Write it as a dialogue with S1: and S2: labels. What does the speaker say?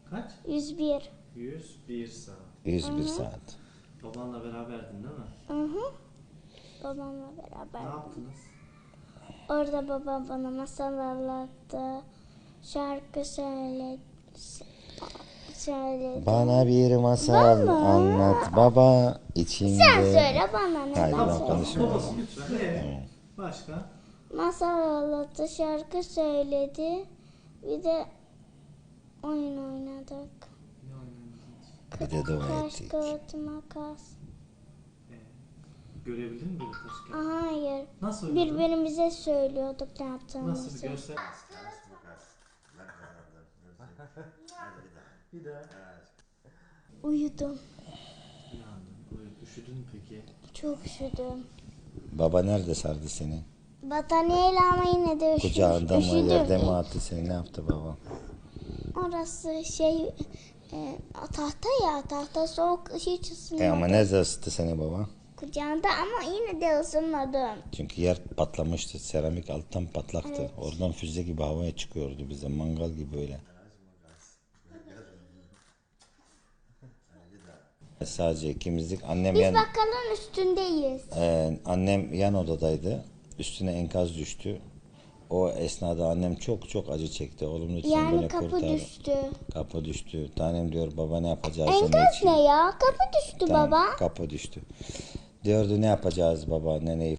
S1: Kaç?
S2: 101.
S1: 101 saat.
S3: 101 saat.
S1: Babanla beraberdin değil mi?
S2: Hı hı. Babamla beraber.
S1: Ne yaptınız?
S2: Orada babam bana masal anlattı. Şarkı söyledi.
S3: Bana bir masal
S2: Baba.
S3: anlat baba içinde.
S2: Sen söyle bana ne
S3: Hayır, ben
S2: masal.
S3: konuşmuyorum.
S1: Babası lütfen. Başka?
S2: Masal anlattı, şarkı söyledi. Bir de oyun oynadık.
S1: Ne oynadınız?
S3: Bir de dua
S2: Taş,
S3: ettik.
S2: kağıt, makas.
S1: Görebildin mi böyle taş kağıt?
S2: Hayır.
S1: Nasıl oynadın?
S2: Birbirimize söylüyorduk ne
S1: Nasıl
S2: yaptığımızı.
S1: bir göster? Bir daha.
S2: Uyudum.
S1: Uyandın. Üşüdün mü peki?
S2: Çok üşüdüm.
S3: Baba nerede sardı seni?
S2: Battaniyeyle ama yine de
S3: Kucağında mı,
S2: üşüdüm.
S3: yerde mi attı seni? Ne yaptı baba?
S2: Orası tahta ya, tahta soğuk, hiç ısınmadı.
S3: Ama nerede ısıttı seni baba?
S2: Kucağında ama yine de ısınmadım.
S3: Çünkü yer patlamıştı. Seramik alttan patlaktı.
S2: Evet.
S3: Oradan füze gibi havaya çıkıyordu bize. Mangal gibi böyle. Sadece ikimizdik. Annem
S2: Biz
S3: yan,
S2: bakkalın üstündeyiz.
S3: annem yan odadaydı. Üstüne enkaz düştü. O esnada annem çok çok acı çekti. Oğlum lütfen
S2: Yani
S3: beni
S2: kapı
S3: kurtar.
S2: düştü.
S3: Kapı düştü. Tanem diyor baba ne yapacağız?
S2: Enkaz ne ya? Kapı düştü
S3: Tamam,
S2: baba.
S3: kapı düştü. Diyordu ne yapacağız baba neneyi